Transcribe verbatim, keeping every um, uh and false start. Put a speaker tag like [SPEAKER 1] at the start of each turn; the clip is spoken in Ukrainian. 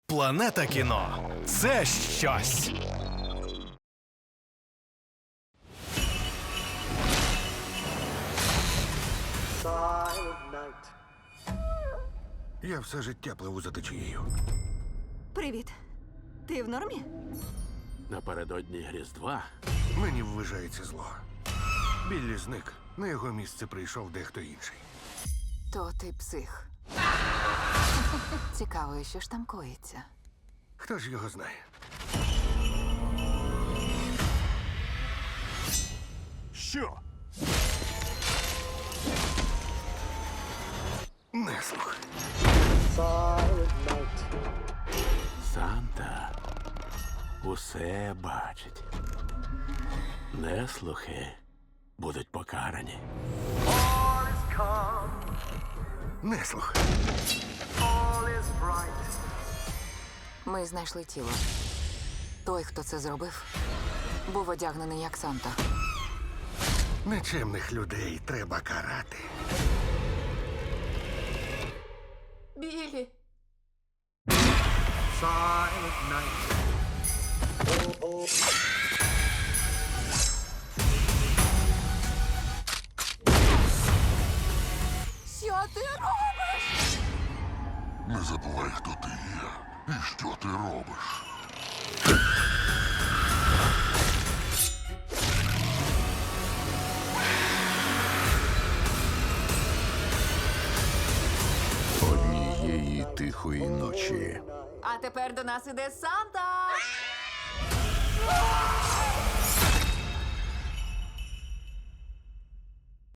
[SPEAKER 1] Планета кіно – це щось.
[SPEAKER 2] Я все життя пливу за течією.
[SPEAKER 3] Привіт. Ти в нормі?
[SPEAKER 4] Напередодні Різдва
[SPEAKER 2] Мені ввижається зло. Біллі зник. На його місце прийшов дехто інший.
[SPEAKER 5] То ти псих. Цікаво, що ж там коїться.
[SPEAKER 2] Хто ж його знає?
[SPEAKER 4] Що?
[SPEAKER 2] Неслух.
[SPEAKER 4] Санта усе бачить. Неслухи будуть покарані.
[SPEAKER 2] Неслух.
[SPEAKER 5] Ми знайшли тіло. Той, хто це зробив, був одягнений як Санта.
[SPEAKER 2] Нечемних людей треба карати.
[SPEAKER 5] Білі! Що ти робиш?
[SPEAKER 6] Не забувай, хто ти є і що ти робиш.
[SPEAKER 7] Однієї тихої ночі
[SPEAKER 5] А тепер до нас іде Санта!